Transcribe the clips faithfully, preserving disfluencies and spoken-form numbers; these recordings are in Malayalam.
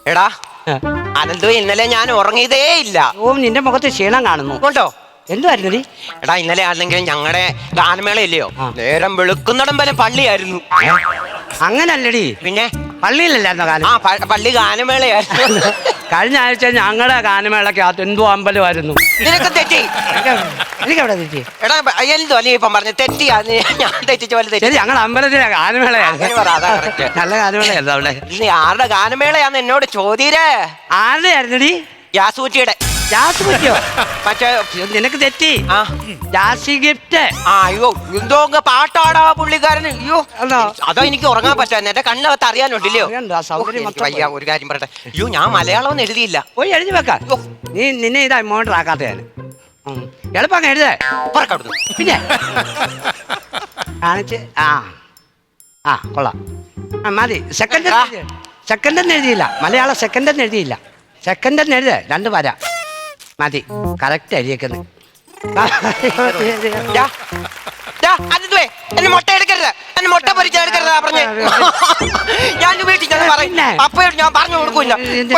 എടാ അനന്തു, ഇന്നലെ ഞാൻ ഉറങ്ങിയതേ ഇല്ല. ഓ, നിന്റെ മുഖത്ത് ക്ഷീണം കാണുന്നു. ഉണ്ടോ? എന്തുവായിരുന്നു നീ? എടാ, ഇന്നലെ ആണെങ്കിലും ഞങ്ങളുടെ ഗാനമേള ഇല്ലയോ, നേരം വെളുക്കുന്നിടം വരെ പള്ളിയായിരുന്നു. അങ്ങനല്ലടി, പിന്നെ പള്ളിയിലല്ലായിരുന്നോ ഗാനം? ആ പള്ളി ഗാനമേളയായിരുന്നു. കഴിഞ്ഞ ആഴ്ച ഞങ്ങളുടെ ഗാനമേളക്കകത്ത് എന്തോ അമ്പലമായിരുന്നു. നിനക്ക് തെറ്റി. എനിക്കെവിടെ തെറ്റി? എടാ എന്തോ നീ ഇപ്പം പറഞ്ഞു തെറ്റി. ഞാൻ തെറ്റിച്ച പോലെ തെറ്റി. ശരി, ഞങ്ങളുടെ അമ്പലത്തിലെ ഗാനമേളയായിരുന്നു. നല്ല ഗാനമേളയായിരുന്നു അവിടെ. നീ ആരുടെ ഗാനമേളയാന്ന് എന്നോട് ചോദ്യരേ. ആരുടെ ആയിരുന്നടി? യാസൂറ്റിയുടെ. ജാസ് പറ്റിയോ? പക്ഷേ നിനക്ക് തെറ്റി. ആ ജാസി ഗിഫ്റ്റ്. ആ അയ്യോ, എന്തോ പാട്ടാടാ പുള്ളിക്കാരന്. അയ്യോ, അതോ എനിക്ക് ഉറങ്ങാൻ പറ്റാ. എന്റെ കണ്ണകത്ത് അറിയാനുണ്ടല്ലോ. വയ്യ, ഒരു കാര്യം പറയട്ടെ. അയ്യോ, ഞാൻ മലയാളം ഒന്നും എഴുതിയില്ല. പോയി എഴുതി വെക്ക. നീ നിന്നെ ഇതാ മോട്ടർ ആക്കാത്ത ഞാൻ എളുപ്പം എഴുതേ. പറക്കവിടുന്നു. പിന്നെ കാണിച്ച് ആ ആ കൊള്ളാം. ആ മതി. സെക്കൻഡ് സെക്കൻഡ് എന്ന് എഴുതിയില്ല. മലയാളം സെക്കൻഡ് എന്ന് എഴുതിയില്ല. സെക്കൻഡ് എന്ന് എഴുതേ. രണ്ട് വര മതി. കറക്റ്റ് എഴുതിയേക്കുന്നത്. എന്നെ മുട്ട എടുക്കരുത്, എന്നെ മുട്ട പൊരിച്ച എടുക്കരുത് പറഞ്ഞേ. ഞാൻ വീട്ടിൽ ഞാൻ പറയും. അപ്പയോട് ഞാൻ പറഞ്ഞു കൊടുക്കൂല.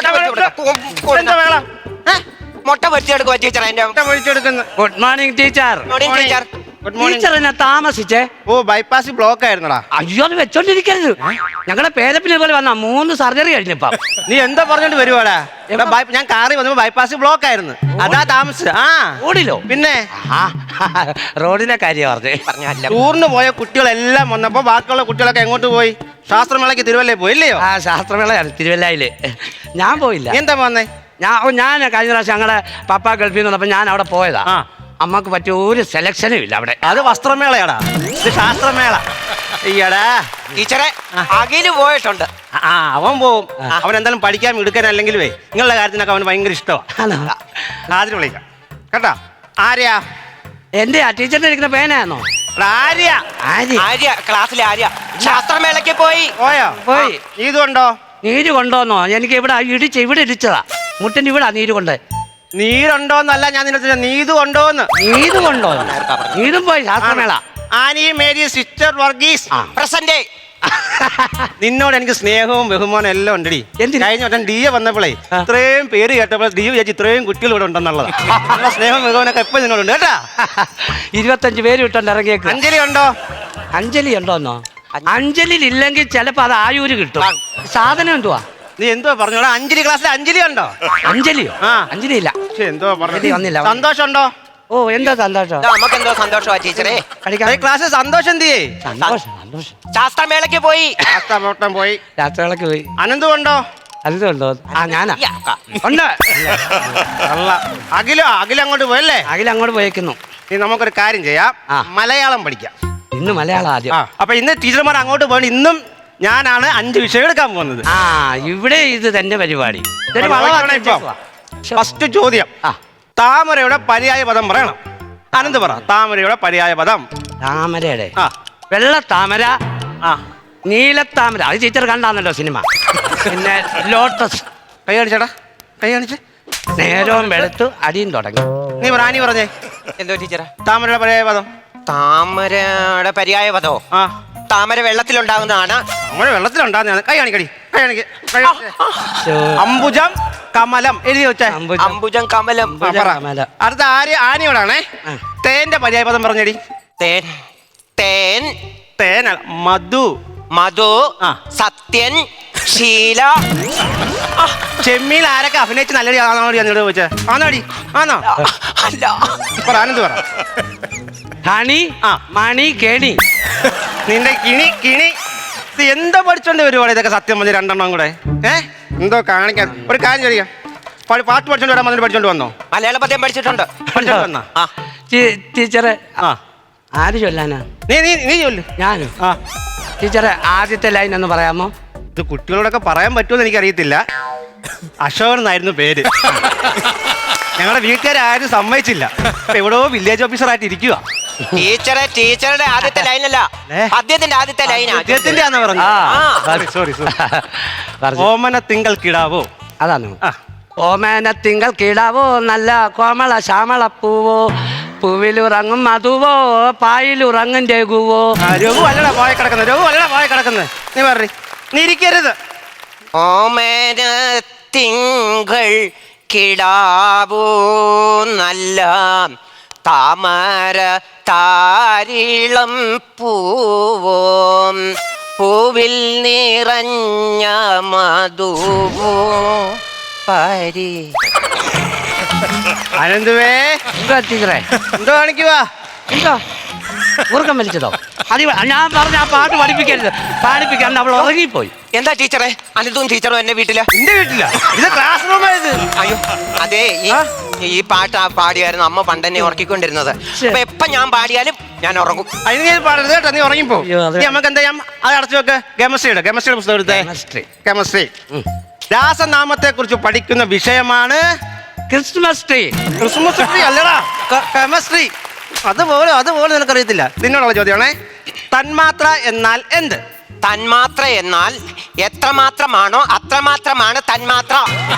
മുട്ട പൊരിച്ചെടുക്കുക ടീച്ചർ. എന്റെ മുട്ട പൊരിച്ചെടുക്കുന്നു. Good morning teacher. Morning teacher. Teacher എന്നെ താമസിച്ചേ. ഓ, ബൈപ്പാസ് ബ്ലോക്ക് ആയിരുന്നടാ. അയ്യോ, അത് വെച്ചോണ്ടിരിക്കരുത്. ഞങ്ങളുടെ പേരപ്പിനെ പോലെ വന്ന മൂന്ന് സർജറി കഴിഞ്ഞപ്പ. നീ എന്താ പറഞ്ഞോണ്ട് വരുവാടാ? ഞാൻ കാറി വന്നപ്പോ ബൈപ്പാസ് ബ്ലോക്ക് ആയിരുന്നു, അതാ താമസിച്ച. ആ റോഡിലോ? പിന്നെ റോഡിലെ കാര്യം പറഞ്ഞേ. പറഞ്ഞല്ല, ടൂറിന് പോയ കുട്ടികളെല്ലാം വന്നപ്പോ ബാക്കിയുള്ള കുട്ടികളൊക്കെ എങ്ങോട്ട് പോയി? ശാസ്ത്രമേളയ്ക്ക് തിരുവല്ലേ പോയി ഇല്ലയോ? ആ, ശാസ്ത്രമേളയാണ് തിരുവല്ലയില്. ഞാൻ പോയില്ല. എന്താ വന്നേ? ഞാൻ ഞാൻ കഴിഞ്ഞ പ്രാവശ്യം ഞങ്ങളുടെ പപ്പ ഗൾഫിൽ നിന്ന് വന്നപ്പോ ഞാൻ അവിടെ പോയതാ. അമ്മക്ക് പറ്റിയ ഒരു സെലക്ഷനും ഇല്ല അവിടെ. അത് വസ്ത്രമേളയാടാ, ഇത് ശാസ്ത്രമേള. ഈയടാ ടീച്ചറെ അഖില് പോയിട്ടുണ്ട്. ആ, അവൻ പോവും. അവൻ എന്തായാലും പഠിക്കാൻ എടുക്കാൻ അല്ലെങ്കിൽ നിങ്ങളുടെ കാര്യത്തിനൊക്കെ അവന് ഭയങ്കര ഇഷ്ടമാണ്. ആദ്യം വിളിക്കാം കേട്ടാ. ആര്യാ? എന്റെ ആ ടീച്ചറിന്റെ ഇരിക്കുന്ന പേനായിരുന്നോ? ആര്യ. ആര്യ ക്ലാസ്സിലെ ആര്യ ശാസ്ത്രമേളയ്ക്ക് പോയി. പോയോ? പോയി. നീതുണ്ടോ? നീര് കൊണ്ടോന്നോ? എനിക്ക് ഇവിടെ ഇടിച്ച് ഇവിടെ ഇടിച്ചതാ. മുട്ടിന് ഇവിടെ നീര് കൊണ്ട്. നീരുണ്ടോന്നല്ല ഞാൻ നിന്നെ, നീതു ഉണ്ടോന്ന്. നീര് കൊണ്ടോ? നീതും പോയി ശാസ്ത്രമേള. Annie Mary sister Varghese present. നിന്നോട് എനിക്ക് സ്നേഹവും ബഹുമാനം എല്ലാം ഉണ്ടടി. കഴിഞ്ഞ വട്ടം ഡി എ വന്നപ്പോഴേ ഇത്രയും പേര് കേട്ടപ്പോൾ ഡി വിചാരിച്ചു ഇത്രയും കുട്ടികൾ ഇവിടെ ഉണ്ടെന്നുള്ളത്. സ്നേഹവും ബഹുമാനൊക്കെ എപ്പോഴും നിന്നോടുണ്ട് കേട്ടാ. ഇരുപത്തഞ്ച് പേര് വിട്ടുണ്ട് ഇറങ്ങിയേക്ക്. അഞ്ജലി ഉണ്ടോ? അഞ്ജലി ഉണ്ടോന്നോ? അഞ്ജലി ഇല്ലെങ്കിൽ ചിലപ്പോ അത് ആയൂര് കിട്ടും. സാധനം എന്തുവാ? നീ എന്തോ പറഞ്ഞോടാ? അഞ്ജലി ക്ലാസ്സിൽ അഞ്ജലി ഉണ്ടോ? അഞ്ജലിയോ? ആ, അഞ്ജലി ഇല്ല. എന്തോ പറഞ്ഞു വന്നില്ല. സന്തോഷം ഉണ്ടോ? ഓ, എന്താ സന്തോഷം? നമുക്ക് എന്തോ സന്തോഷമാ ടീച്ചറെ. ക്ലാസ്സിൽ സന്തോഷം തീയേ. സന്തോഷം സന്തോഷം. ശാസ്ത്രമേളയ്ക്ക് പോയി. ശാസ്ത്രമേള പോയി. ശാസ്ത്രമേളയ്ക്ക് പോയി. അനന്തു ഉണ്ടോ? അനന്തു ഉണ്ടോ? ആ, ഞാനാ. ഉണ്ട്. അഖിലോ? അഖില അങ്ങോട്ട് പോയല്ലേ? അഖില അങ്ങോട്ട് പോയേക്കുന്നു. നീ നമുക്കൊരു കാര്യം ചെയ്യാം, മലയാളം പഠിക്കാം. ഇന്ന് മലയാളം ആദ്യം. അപ്പൊ ഇന്ന് ടീച്ചർമാർ അങ്ങോട്ട് പോയി. ഇന്നും ഞാനാണ് അഞ്ച് വിഷയം എടുക്കാൻ പോകുന്നത്. ആ, ഇവിടെ ഇത് തന്നെ പരിപാടി. ഫസ്റ്റ് ചോദ്യം, താമരയുടെ പര്യായ പദം പറയണം. അനന്ത് പറ. താമരയുടെ പര്യായ പദം. താമരയുടെ വെള്ള താമര, നീലത്താമര. അത് ടീച്ചർ കണ്ടാന്നല്ലോ സിനിമ. പിന്നെ ലോട്ടസ്. കൈ കാണിച്ചേടാ, കൈ കാണിച്ച്. നേരവും വെളുത്തു അടിയും തുടങ്ങി. നീ പറ. നീ പറഞ്ഞേ എന്തോ ടീച്ചറെ? താമരയുടെ പര്യായ പദം. താമരയുടെ പര്യായ പദോ? ആ, താമര വെള്ളത്തിലുണ്ടാകുന്നതാണ്. താമര വെള്ളത്തിലുണ്ടാകുന്നതാണ്. കൈ കാണിക്കടി, കൈ കാണിക്ക്. അംബുജം കമലം എഴുതി വെച്ചേ. അംബുജം കമലം. അടുത്ത ആര്യ ആനയോടാണേ. തേന്റെ പര്യായ പദം പറഞ്ഞടി. തേൻ. തേൻ. തേൻ. മധു. മധു. സത്യൻ. ശീല. ചെമ്മീൽ ആരൊക്കെ അഭിനയിച്ച് നല്ലടി ആണോടി എന്നോട് ചോദിച്ചേ? ആണോടി? ആണോ? അല്ല. പറ ആനന്ദ് പറ. ഹണി. ആ, മണി. കേണി. നിന്റെ കിണി. കിണി. ഇത് എന്താ പഠിച്ചോണ്ട് വരുവാണ് ഇതൊക്കെ? സത്യം പറഞ്ഞ രണ്ടെണ്ണം കൂടെ ഏ എന്തോ കാണിക്കാൻ. ഒരു കാര്യം ചോദിക്കാം, പാട്ട് പഠിച്ചോണ്ട് വരാൻ വന്നിട്ട് പഠിച്ചോണ്ട് വന്നോ? മലയാള പദ്യം പഠിച്ചിട്ടുണ്ട്. പഠിച്ചോണ്ട് വന്നാ? ടീച്ചറെ ആര് ചൊല്ലാനാ? നീ നീ നീ ചൊല്ലു. ഞാനും. ആ, ടീച്ചറെ ആദ്യത്തെ ലൈൻ എന്ന് പറയാമോ? ഇത് കുട്ടികളോടൊക്കെ പറയാൻ പറ്റുമെന്ന് എനിക്കറിയത്തില്ല. അശോകൻ എന്നായിരുന്നു പേര്. ഞങ്ങളുടെ വീട്ടുകാരും സമ്മതിച്ചില്ല. എവിടെയോ വില്ലേജ് ഓഫീസർ ആയിട്ട് ഇരിക്കുക. ടീച്ചറെ ടീച്ചറുടെ ആദ്യത്തെ ലൈനല്ല, പദ്യത്തിന്റെ ആദ്യത്തെ ലൈനാ. പദ്യത്തിന്റെ ആണെന്ന് പറഞ്ഞു. Sorry sorry. ഓമന തിങ്കൾ കിടാവോ? അതാണ്. ഓമന തിങ്കൾ കിടാവോ, നല്ല കോമള ശ്യാമള പൂവോ, പൂവിലുറങ്ങും മധുവോ, പായിലുറങ്ങും രഘുവോ. രഘു അല്ലടാ പോയ കിടക്കുന്നത്. രഘു അല്ലടാ പോയ കിടക്കുന്നത്. നീ പറ. നീ ഇരിക്കരുത്. ഓമന തിങ്കൾ കിടാവൂ നല്ല താമര താരിളം പൂവും പൂവിൽ നിറഞ്ഞ മധുവോ പരി. അനന്തുവേ എന്താ ടീച്ചറെ? എന്തോ കാണിക്കുവാ? എന്തോ ഉറക്കം വലിച്ചതോ? അത് ഞാൻ പറഞ്ഞ ആ പാട്ട് പഠിപ്പിക്കരുത്, പാടിപ്പിക്കാണ്ട് അവൾ ഉറങ്ങിപ്പോയി. എന്താ ടീച്ചറെ അനിതും ടീച്ചറും എന്റെ വീട്ടില്? എന്റെ വീട്ടില ഇത് ക്ലാസ് റൂം ആയത്. അയ്യോ അതെ, ഈ ഈ പാട്ട് ആ പാടിയായിരുന്നു അമ്മ പണ്ടെന്നെ ഉറക്കിക്കൊണ്ടിരുന്നത്. അപ്പൊ എപ്പൊ ഞാൻ പാടിയാലും ഞാൻ ഉറങ്ങും. അതിന് ഞാൻ പാടരുത് കേട്ടോ, നീ ഉറങ്ങിപ്പോ. അയ്യോ, അത് നീ നമുക്ക് എന്താ ചെയ്യാം, അത് അടച്ചു വെക്ക്. കെമിസ്ട്രിയുടെ കെമിസ്ട്രിയുടെ പുസ്തകം എടുത്തേ. Chemistry. കെമിസ്ട്രി. രാസനാമത്തെ കുറിച്ച് പഠിക്കുന്ന വിഷയമാണ് ക്രിസ്മസ് ട്രീ. ക്രിസ്മസ് ട്രീ അല്ലടാ, കെമിസ്ട്രി. അതുപോലെ അതുപോലെ നിനക്കറിയത്തില്ല. നിന്നോടുള്ള ചോദ്യമാണേ. തന്മാത്ര എന്നാൽ എന്ത്? തന്മാത്ര എന്നാൽ എത്രമാത്രമാണോ അത്രമാത്രമാണ് തന്മാത്ര.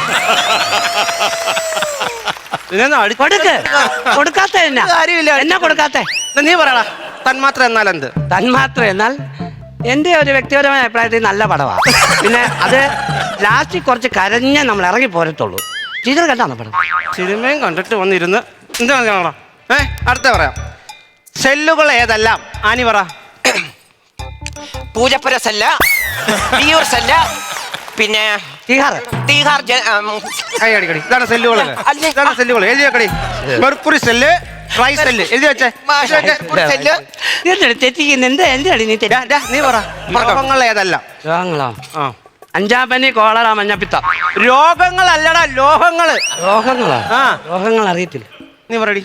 നിന്നെ അടി- കൊടുക്ക്. കൊടുക്കാത്ത എന്നാ? കാര്യമില്ല. എന്നാ കൊടുക്കാത്ത? നീ പറയടാ, തന്മാത്ര എന്നാൽ എന്ത്? തന്മാത്ര എന്നാൽ എൻ്റെ ഒരു വ്യക്തിപരമായ അഭിപ്രായത്തിൽ നല്ല പടമാണ്. പിന്നെ അത് ലാസ്റ്റിൽ കുറച്ച് കരഞ്ഞേ നമ്മൾ ഇറങ്ങി പോരത്തുള്ളൂ. ടീച്ചർ കണ്ടാണോ പടം? സിനിമയും കണ്ടിട്ട് വന്നിരുന്ന് എന്താ കാണാ? ഏ അടുത്ത പറയാം. സെല്ലുകൾ ഏതെല്ലാം? ആനി പറ. പൂജപ്പുര സെല്ല്, വിയൂർ സെല്ല്, പിന്നെ ടീഹാർ. തീഹാർ ജ- ഉം, കൈ അടിക്കടി. ഇതാണ് സെല്ലുകൾ. അല്ലേ? ഇതാണ് സെല്ലുകൾ. എഴുതി വെക്കടി. മെർക്കുറി സെല്ല്, ട്രൈ സെല്ല് എഴുതി വെച്ചേ. മാഷ് എഴുതി വെച്ചേ. ഒരു സെല്ല്. എന്താണ് തെറ്റിക്കുന്നത്? എന്താ എന്താണ് നീ ഡാ, ഡാ, നീ പറ. രോഗങ്ങൾ ഏതെല്ലാം? രോഗങ്ങളോ? ആ അഞ്ചാപ്പനി, കോളറ, മഞ്ഞപ്പിത്തം. രോഗങ്ങളല്ലടാ, ലോഹങ്ങള്. രോഗങ്ങളോ? ആ. രോഗങ്ങൾ അറിയത്തില്ല. നീ പറയടി.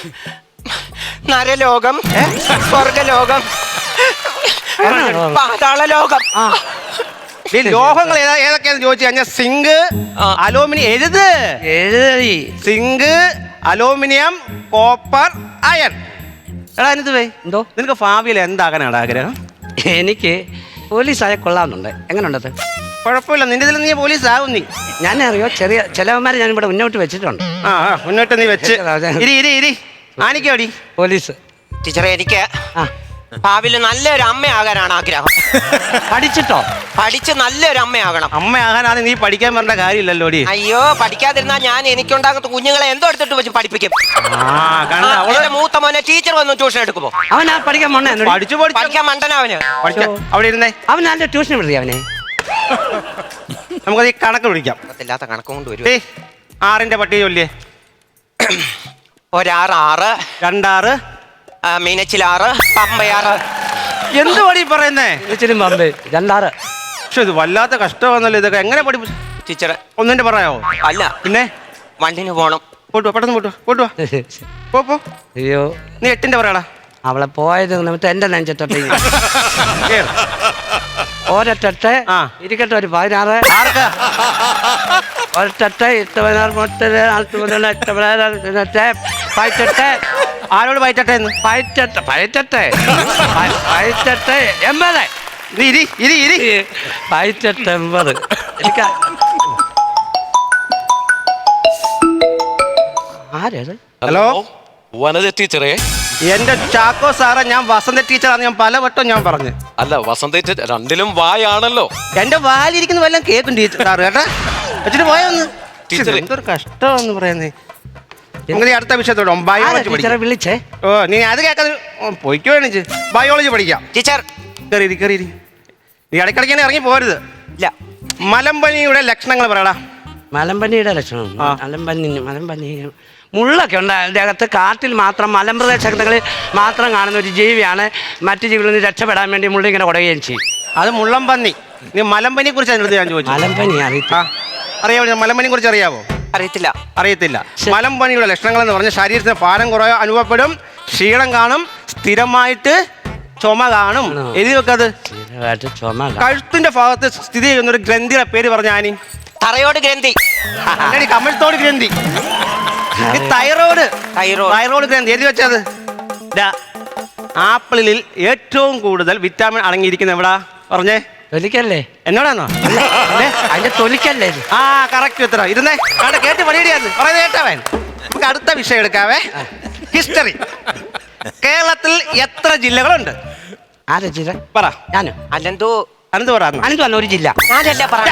നരലോകം, സ്വർഗലോകം, പാതാളലോകം. ആ, ഈ ലോഹങ്ങൾ ഏതാ ഏതൊക്കെയാന്ന് ചോദിച്ചു കഴിഞ്ഞാൽ സിങ്ക്, ആ. അലൂമിനിയം. എഴുത്. എഴുതി. Zinc, aluminium, copper, iron. എടാ എന്നിട്ട് പോയി. എന്തോ? നിനക്ക് ഭാവിയിൽ എന്താകാനാണ് ആഗ്രഹം? എനിക്ക് പോലീസായ കൊള്ളാമെന്നുണ്ട്. എങ്ങനെയുണ്ടത്? കുഴപ്പമില്ല, നിന്റെ ഇതിൽ നീ പോലീസ് ആവും. നീ ഞാൻ അറിയോ, ചെറിയ ചിലവന്മാരെ ഞാൻ ഇവിടെ മുന്നോട്ട് വെച്ചിട്ടുണ്ട്. ആ ആ, മുന്നോട്ട് നീ വെച്ച് അതെ. ഇരി ഇരി ഇരി. ആനിക്കോടി. പോലീസ്. ടീച്ചറെ എനിക്ക് ആ, ഭാവിയിൽ നല്ലൊരു അമ്മയാകാനാണ് ആഗ്രഹം. പഠിച്ചിട്ടോ? പഠിച്ച് നല്ലൊരു അമ്മയാകണം. അമ്മയാകാനാണ് നീ പഠിക്കാൻ പറഞ്ഞ കാര്യമില്ലല്ലോടി. അയ്യോ പഠിക്കാതിരുന്നാൽ ഞാൻ എനിക്കുണ്ടാകുന്ന കുഞ്ഞുങ്ങളെ എന്തോ എടുത്തിട്ട് വെച്ച് പഠിപ്പിക്കും. ആ കണ്ട ആ, അവള് എന്റെ മൂത്ത മോനെ ടീച്ചർ വന്ന് ട്യൂഷൻ എടുക്കുമോ? അവൻ ആ പഠിക്കാൻ പോണേ? പഠിച്ചു പഠിച്ചു പഠിക്കാൻ മണ്ടനവന്. പഠിക്കാം. അവിടെ ഇരുന്നേ. അവൻ നല്ല ട്യൂഷൻ വിടുതി അവനെ. നമുക്കത് ഈ കണക്ക് വിളിക്കാം. ഇല്ലാത്ത കണക്കും കൊണ്ട് വരും. ഏയ് ആറിന്റെ പട്ടിക ചൊല്ലിയേ. ഒരാറ് ആറ്, രണ്ടാറ്, ആ, മീനച്ചിലാറ്, പമ്പയാറ്. എന്ത് പടി പറയുന്നേ? ഇച്ചിരി പമ്പ്. രണ്ടാറ്. പക്ഷെ ഇത് വല്ലാത്ത കഷ്ടമാണല്ലോ. ഇതൊക്കെ എങ്ങനെ പഠി ടീച്ചറെ ഒന്നിന്റെ പറയാവോ? അല്ല, പിന്നെ വണ്ടിന് പോണം. പോട്ടുവാ, പെട്ടെന്ന് പോട്ടുവാ, പോട്ടുവാ. പോ പോ. അയ്യോ, നീ എട്ടിന്റെ പറയടാ. അവളെ പോയത് നിമിത്തം എന്റെ നെഞ്ചത്തൊട്ട് കേറ്. ഒരൊട്ടെ ആ. ഇരിക്കട്ടെ. ഒരു പതിനാറ്. ആർക്ക്? ഒരൊട്ടെ എട്ട് പതിനാറ് മുപ്പത് നാൽപ്പത് മുതൽ എട്ട് പതിനാറ് പതിനെട്ട് ആരോട് പയറ്റട്ടെ എന്ന്? പതിനെട്ട് പതിനെട്ട് പതിനെട്ട് എൺപത്. നീ ഇരി ഇരി ഇരി. പതിനെട്ട് എൺപത്. എനിക്ക് ആരത്? ഹലോ വനജ ടീച്ചറെ. എന്റെ ചാക്കോ സാറേ, ഞാൻ വസന്ത ടീച്ചറാന്ന് ഞാൻ പലവട്ടം ഞാൻ പറഞ്ഞു. അല്ല വസന്ത ടീച്ചർ രണ്ടിലും വായാണല്ലോ. എന്റെ വാലിരിക്കുന്ന വല്ലതും കേൾക്കും ടീച്ചർ സാറ് കേട്ടാ. വെച്ചിട്ട് പോയൊന്ന്. ടീച്ചറെ. എന്തൊരു കഷ്ടമെന്ന് പറയുന്നേ. നിങ്ങൾ അടുത്ത വിഷയത്തോടെ ബയോളജി ടീച്ചറെ പഠിക്കാം. വിളിച്ചേ. ഓ നീ അത് കേൾക്കാതെ പൊയ്ക്കോ എണീച്ച് ബയോളജി പഠിക്കാം. ടീച്ചർ കയറി കയറി. നീ ഇടയ്ക്കിടയ്ക്ക് ഇറങ്ങി പോരുത്. ഇല്ല. മലമ്പനിയുടെ ലക്ഷണങ്ങൾ പറയടാ. മലമ്പനിയുടെ ലക്ഷണം. ആ. മലമ്പനി മലമ്പനി മുള്ളൊക്കെ ഉണ്ട് അതിൻ്റെ അകത്ത്. കാട്ടിൽ മാത്രം മലമ്പ്രദേശങ്ങളിൽ മാത്രം കാണുന്ന ഒരു ജീവിയാണ്. മറ്റു ജീവികളിൽ നിന്ന് രക്ഷപ്പെടാൻ വേണ്ടി മുള്ളി ഇങ്ങനെ കുടയുകയും ചെയ്യും. അത് മുള്ളംപന്നി. നീ മലമ്പനിയെ കുറിച്ച് അതിനടുത്ത് ഞാൻ ചോദിച്ചു. മലമ്പനി അറിയത്തില്ല. അറിയാമോ? മലമ്പനിയെ കുറിച്ച് അറിയാവോ? അറിയത്തില്ല. അറിയത്തില്ല. മലമ്പനിയുടെ ലക്ഷണങ്ങൾ എന്ന് പറഞ്ഞാൽ ശരീരത്തിന് ഭാരം കുറവ് അനുഭവപ്പെടും, ക്ഷീണം കാണും, സ്ഥിരമായിട്ട് ചുമ കാണും. എഴുതി വെക്കത്. സ്ഥിരമായിട്ട് ചുമ കാണും. കഴുത്തിന്റെ ഭാഗത്ത് സ്ഥിതി ചെയ്യുന്ന ഒരു ഗ്രന്ഥിയുടെ പേര് പറഞ്ഞ ആനി. തറയോട് ഗ്രന്ഥി. കമഴ്ത്തോട് ഗ്രന്ഥി. ഈ തൈറോയ്ഡ്. തൈറോയ്ഡ്. തൈറോയ്ഡ് ഗ്രന്ഥി എഴുതി വെച്ചത്. ദാ, ആപ്പിളിൽ ഏറ്റവും കൂടുതൽ വിറ്റാമിൻ അടങ്ങിയിരിക്കുന്ന എവിടാ പറഞ്ഞേ? തൊലിക്കല്ലേ? എന്നോടാണോ? അതിന്റെ തൊലിക്കല്ലേ ഇത്? ആ കറക്റ്റ് ഉത്തരം. ഇരുന്നേ കണ്ട കേട്ട് പണിയിടിയാന്ന് പറയുന്നത് കേട്ടവൻ. നമുക്ക് അടുത്ത വിഷയം എടുക്കാവേ. ഹിസ്റ്ററി. കേരളത്തിൽ എത്ര ജില്ലകളുണ്ട്? ആരാ ജില്ല? പറ. ഞാനോ? അല്ലെന്തോ അനന്ത് പറ. അനന്ത് വന്ന ഒരു ജില്ല. ഞാനല്ല പറയാ.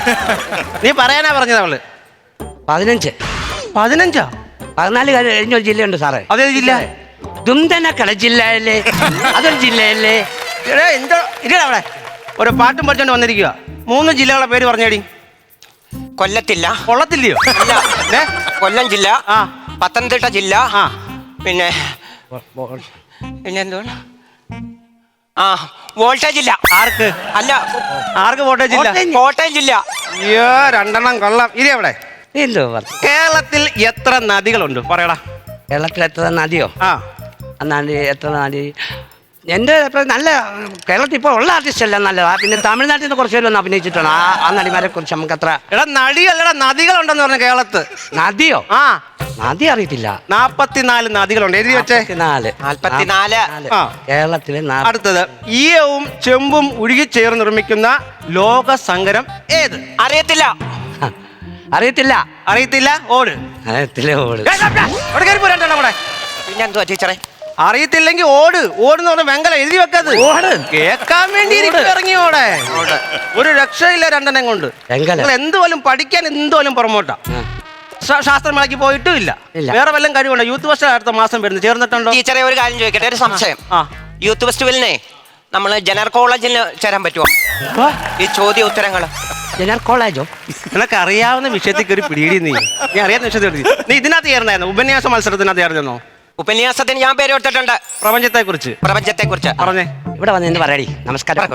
നീ പറയാനാ പറഞ്ഞത് അവള് പതിനഞ്ച് പതിനഞ്ചാ പതിനാല് കഴിഞ്ഞ ഒരു ജില്ലയുണ്ട് സാറേ. അതേ ജില്ല? ദുംതനക്കട ജില്ലയല്ലേ, അതൊരു ജില്ലയല്ലേ. എടാ എന്തോ ഇല്ല അവിടെ ഒരു പാട്ടും പഠിച്ചോണ്ട് വന്നിരിക്കുക. മൂന്ന് ജില്ലകളെ പേര് പറഞ്ഞേടി. കൊല്ലത്തില്ല. കൊള്ളത്തില്ലയോ? അല്ല. ഏ? കൊല്ലം ജില്ല, ആ. പത്തനംതിട്ട ജില്ല, ആ. പിന്നെ പിന്നെ എന്തുവാണ്, ആ വോൾട്ടേജ് ഇല്ല. ആർക്ക്? അല്ല, ആർക്ക് വോട്ടേജ് ഇല്ല? കോട്ടയം ജില്ല. അയ്യോ രണ്ടെണ്ണം കൊള്ളാം. ഇനി അവിടെ എന്തോ പറഞ്ഞു. കേരളത്തിൽ എത്ര നദികളുണ്ട് പറയടാ. കേരളത്തിൽ എത്ര നദിയോ? ആ നദി എത്ര നദി? എൻ്റെ ഇപ്പം നല്ല കേരളത്തിൽ ഇപ്പോൾ ഉള്ള ആർട്ടിസ്റ്റ് എല്ലാം നല്ലതാ. പിന്നെ തമിഴ്നാട്ടിൽ നിന്ന് കുറച്ച് പേര് ഒന്ന് അഭിനയിച്ചിട്ടാണ് ആ ആ നടിമാരെ കുറിച്ച് നമുക്ക് അത്ര. എടാ നടിയല്ലടാ നദികളുണ്ടെന്ന് പറഞ്ഞു കേരളത്ത്. നദിയോ? ആ നദി അറിയത്തില്ല. നാപ്പത്തിനാല് നദികളുണ്ട്. എഴുതി വെച്ചേ. നാല് നാൽപ്പത്തിനാല്. ആ. കേരളത്തിലെ നാ- അടുത്തത് ഈയവും ചെമ്പും ഉരുകിച്ചേർന്ന് നിർമ്മിക്കുന്ന ലോക സങ്കരം ഏത്? അറിയത്തില്ല. അറിയത്തില്ല. അറിയത്തില്ല. ഓട്. അറിയത്തില്ല. ഓട്. ഏ, ദാ, ദാ, അവിടെ കയറി പോരാ അവിടെ. പിന്നെ എന്തുവാ ടീച്ചറെ? അറിയത്തില്ലെങ്കിൽ ഓട്. ഓടുന്ന് പറഞ്ഞ വെങ്കല എഴുതി വെക്കത്. ഓട്. കേക്കാൻ വേണ്ടി ഇറങ്ങി ഓടെ. ഒരു രക്ഷയില്ല രണ്ടെണ്ണം കൊണ്ട്. വെങ്കല. നിങ്ങൾ എന്തുപോലും പഠിക്കാൻ എന്തുപോലും പുറമോട്ടാ. ശാസ്ത്രമേളയ്ക്ക് പോയിട്ടും ഇല്ല. ഇല്ല. വേറെ വല്ലതും കഴിവുണ്ടോ? യൂത്ത് ഫെസ്റ്റ് അടുത്ത മാസം വരുന്നത് ചേർന്നിട്ടുണ്ടോ? ടീച്ചറെ ഒരു കാര്യം ചോദിക്കട്ടെ, ഒരു സംശയം. ആ യൂത്ത് ഫെസ്റ്റിവലിനെ നമ്മൾ ജനറൽ കോളേജിൽ ചേരാൻ പറ്റുമോ? ഈ ചോദ്യ ഉത്തരങ്ങൾ ജനറൽ കോളേജോ? നിനക്ക് അറിയാവുന്ന വിഷയത്തിൽ കയറി പിടിയിടി. നീ നീ അറിയാവുന്ന വിഷയത്തിൽ നീ ഇതിനകത്ത് ചേർന്നായിരുന്നു. ഉപന്യാസ മത്സരത്തിനകത്ത് ചേർന്നോ? ഉപന്യാസത്തിന് ഞാൻ പേര് കൊടുത്തിട്ടുണ്ട്. പ്രപഞ്ചത്തെ കുറിച്ച്. പ്രപഞ്ചത്തെ കുറിച്ച് പറഞ്ഞേ. ഇവിടെ വന്ന് എന്ന് പറയടി. നമസ്കാരം.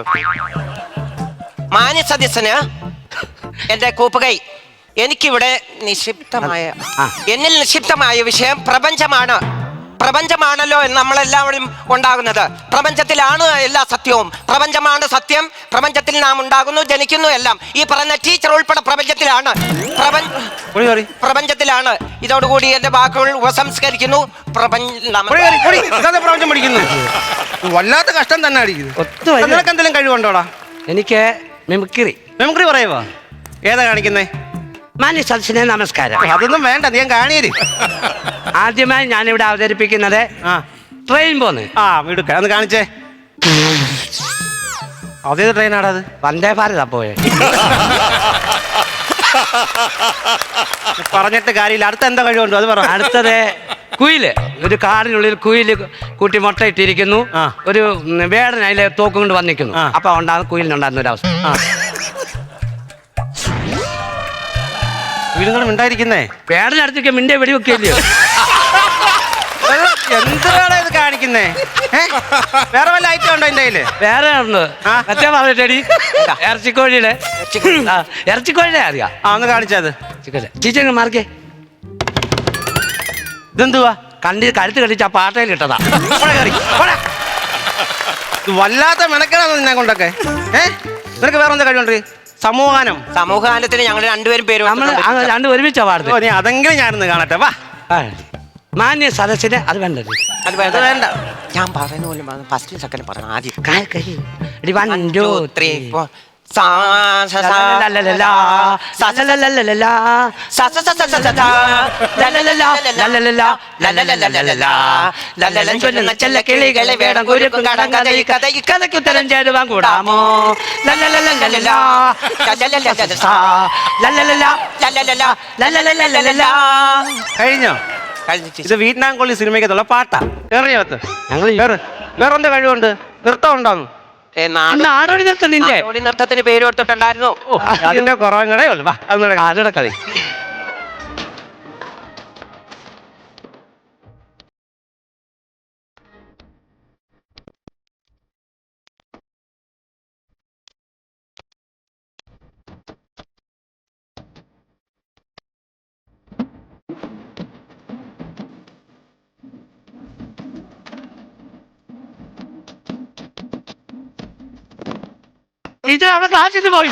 മാന്യ സദസ്യന് എന്റെ കൂപ്പുകൈ. എനിക്കിവിടെ നിക്ഷിപ്തമായ ആ. എന്നിൽ നിക്ഷിപ്തമായ വിഷയം പ്രപഞ്ചമാണ്. പ്രപഞ്ചമാണല്ലോ നമ്മളെല്ലാവരും ഉണ്ടാകുന്നത്. പ്രപഞ്ചത്തിലാണ് എല്ലാ സത്യവും. പ്രപഞ്ചമാണ് സത്യം. പ്രപഞ്ചത്തിൽ നാം ഉണ്ടാകുന്നു, ജനിക്കുന്നു, എല്ലാം ഈ പറഞ്ഞ ടീച്ചർ ഉൾപ്പെടെ പ്രപഞ്ചത്തിലാണ്. പ്രപഞ്ച പ്രപഞ്ചത്തിലാണ്. ഇതോടുകൂടി എന്റെ വാക്കുകൾ ഉപസംസ്കരിക്കുന്നു. പ്രപഞ്ചം പഠിക്കുന്നു. വല്ലാത്ത കഷ്ടം തന്നെ അടിക്കുന്നു. നിനക്ക് എന്തെങ്കിലും കഴിവുണ്ടോടാ? എനിക്ക് മിമിക്രി. മിമിക്രി പറയുവാ? ഏതാ കാണിക്കുന്നേ? മാന്യ സദസ്സിനെ നമസ്കാരം. അതൊന്നും വേണ്ട, നീ കാണിയേ. ആദ്യമായി ഞാനിവിടെ അവതരിപ്പിക്കുന്നത് ആ ട്രെയിൻ പോന്ന്. ആ വീടുക്ക ഒന്ന് കാണിച്ചേ. അതേത് ട്രെയിനാടാ അത്? വന്ദേ ഭാരതാ പോയെ. പറഞ്ഞിട്ട് കാര്യമില്ല. അടുത്ത എന്താ കഴിവുണ്ടോ അത് പറ. അടുത്തത് കുയില്. ഒരു കാടിനുള്ളിൽ കുയില് കൂട്ടി മുട്ടയിട്ടിരിക്കുന്നു. ആ. ഒരു വേടൻ അതിലെ തോക്കും കൊണ്ട് വന്നിരിക്കുന്നു. ആ. അപ്പൊ ഉണ്ടാകുന്ന കുയിലിനുണ്ടാകുന്ന ഒരു അവസ്ഥ. വീടുകളും ഉണ്ടായിരിക്കുന്നേ. വേടനടുത്തേക്ക് മിണ്ടേ വെടിവെക്കില്ലയോ? എന്തിനാണ് ഇത് കാണിക്കുന്നേ? വേറെ വല്ല ഐറ്റം ഉണ്ടോ എന്റെ കയ്യില്? വേറെ ഉണ്ട്. ആ. മറ്റേ പറഞ്ഞിട്ടടി ഇറച്ചിക്കോഴിയുടെ ആ, ഇറച്ചിക്കോഴിയുടെ അറിയാം. ആ ഒന്ന് കാണിച്ചത്. ടീച്ചർ മാർക്കേ. ഇതെന്തുവാ? കണ്ടി കഴുത്ത് കടിച്ച് ആ പാട്ടയിൽ ഇട്ടതാ. ഇത് വല്ലാത്ത മെനക്കെടാന്ന് നിന്നെ കൊണ്ടൊക്കെ. ഏ നിനക്ക് വേറെ എന്താ കഴിവുണ്ട്? സമൂഹാനം. സമൂഹഗാനത്തിന് ഞങ്ങൾ രണ്ടുപേരും പേര് നമ്മൾ രണ്ടും ഒരുമിച്ചാ പാടുന്നത്. ഓ നീ അതെങ്കിലും ഞാനൊന്ന് കാണട്ടെ. വാ. മാന്യ സദസ്സിന് അത് വേണ്ടത്. അത് വേണ്ട വേണ്ട. ഞാൻ പറയുന്ന പോലും ഫസ്റ്റ് സെക്കൻഡ് പറഞ്ഞു ആദ്യം. One two three four. കിളികളെ വേണം കുരുക്കും കടം കഥ ഈ കഥ ഈ കഥയ്ക്ക് ഉത്തരം ചേരുവാൻ കൂടാമോ? കഴിഞ്ഞോ? ഇത് വിയറ്റ്നാം കൊള്ളി സിനിമയ്ക്കത്തുള്ള പാട്ടാ. കേറിയകത്ത് ഞങ്ങൾ വേറെ എന്താ കഴിവുണ്ട്? നൃത്തം ഉണ്ടാവും. നാടോടി നൃത്തം നിന്റെ നൃത്തത്തിന് പേര് കൊടുത്തിട്ടുണ്ടായിരുന്നു. അതിന്റെ കുറവും കൂടെ ഉള്ളു. വാ അതിവിടെ കളി. ഇത് അവിടെ ക്ലാസ്സിൽ പോയി.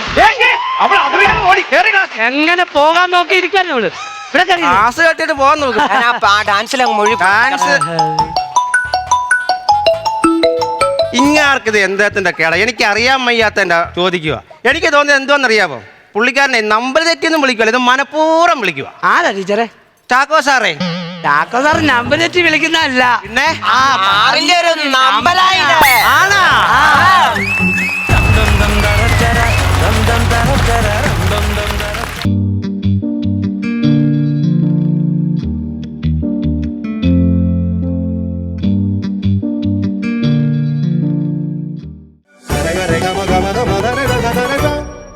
എങ്ങനെ പോകാൻ നോക്കി ഇരിക്കാൻ അവള് ഇവിടെ ക്ലാസ് കെട്ടിട്ട് പോകാൻ നോക്കും. ഡാൻസിലങ്ങ് മുഴുവൻ ഡാൻസ് ഇങ്ങാർക്കിത് എന്തത്തിന്റെ കേട? എനിക്ക് അറിയാൻ വയ്യാത്ത എന്റെ ചോദിക്കുക. എനിക്ക് തോന്നിയത് എന്തോന്നറിയാമോ? പുള്ളിക്കാരനെ നമ്പർ തെറ്റിയൊന്നും വിളിക്കുവല്ല, ഇത് മനഃപൂർവ്വം വിളിക്കുക. ആരാ ടീച്ചറെ? ചാക്കോ സാറേ. ചാക്കോ സാർ നമ്പർ തെറ്റി വിളിക്കുന്നതല്ല. പിന്നെ ഒരു നമ്പലായിട്ട് ആണാ? ദം ദം ദം ദം ദം ദം ദം ദം ദം रे ग म ग म ग म ग